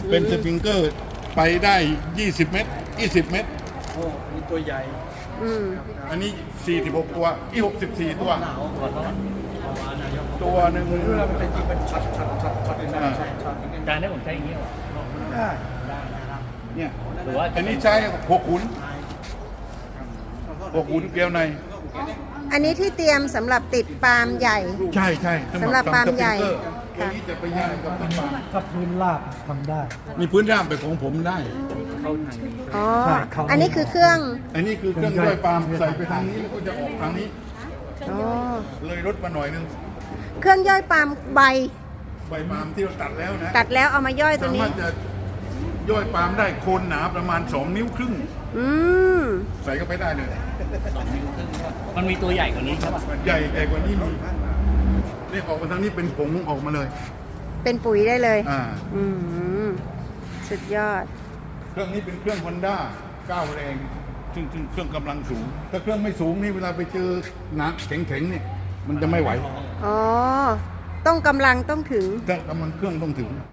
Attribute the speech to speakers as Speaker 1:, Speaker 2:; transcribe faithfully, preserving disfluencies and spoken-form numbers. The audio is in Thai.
Speaker 1: เป็นสปริงเกอร์ไปได้ยี่สิบเมตรยี่สิบเมตร
Speaker 2: โอ้มีตัวใหญ่
Speaker 3: อืม
Speaker 1: อันนี้สี่สิบหกตัวอีหกสิบสี่ตัว
Speaker 2: หนาวขอโทษเอาวานายก
Speaker 1: ตัวหนึ่ง
Speaker 2: เวลามันเป็นจริงเป็นช็อตช็อตช็อตช็อตเป็นช็อตช็อต
Speaker 4: จานได้ผมใช้อย่างนี้เหรอ
Speaker 2: ได้
Speaker 1: เนี่ย
Speaker 4: หรือว่า
Speaker 1: อันนี้ใช้หกขุนหกขุนเกลียวใน
Speaker 3: อันนี้ที่เตรียมสำหรับติดปาล์มใหญ่
Speaker 1: ใช่ใช่
Speaker 3: สำหรับปาล์มใหญ่
Speaker 1: ตัวนี้จะไปย่างกับต้นปาล์ม
Speaker 2: ถ้าพื้นราบทำได้
Speaker 1: มีพื้นราบเป็นของผมได้
Speaker 4: เข้าทาง
Speaker 3: อ๋อ
Speaker 2: ใช่เขา
Speaker 3: อันนี้คือเครื่อง
Speaker 1: อันนี้คือเครื่องย่อยปาล์มใส่ไปทางนี้แล้วก็จะออกทางนี้
Speaker 3: อ๋อ
Speaker 1: เลยลดมาหน่อยนึง
Speaker 3: เครื่องย่อยปาล์มใบ
Speaker 1: ใบปาล์มที่เราตัดแล้วนะ
Speaker 3: ตัดแล้วเอามาย่อยตัว
Speaker 1: สา
Speaker 3: นี้
Speaker 1: มารถจะย่อยปาล์มได้โคนหนาประมาณสองนิ้วครึ่ง
Speaker 3: อืม
Speaker 1: ใส่เข้าไปได้เลย
Speaker 4: มันมีตัวใหญ่กว่านี้ใช่ป่ะ
Speaker 1: ใหญ่ใหญ่กว่านี้มีนี่ออกมาทางนี้เป็นผงออกมาเลย
Speaker 3: เป็นปุ๋ยได้เลย
Speaker 1: อ่า
Speaker 3: อืม สุดยอด
Speaker 1: เครื่องนี้เป็นเครื่องฮอนด้าก้าวแรงซึ่งซึ่งเครื่องกำลังสูง ถ้าเครื่องไม่สูงนี่เวลาไปเจอหนักแข็งๆเนี่ยมันจะไม่ไหว
Speaker 3: อ๋อ ต้องกำลังต้องถึง
Speaker 1: ถ้ากำลังเครื่องต้องถึง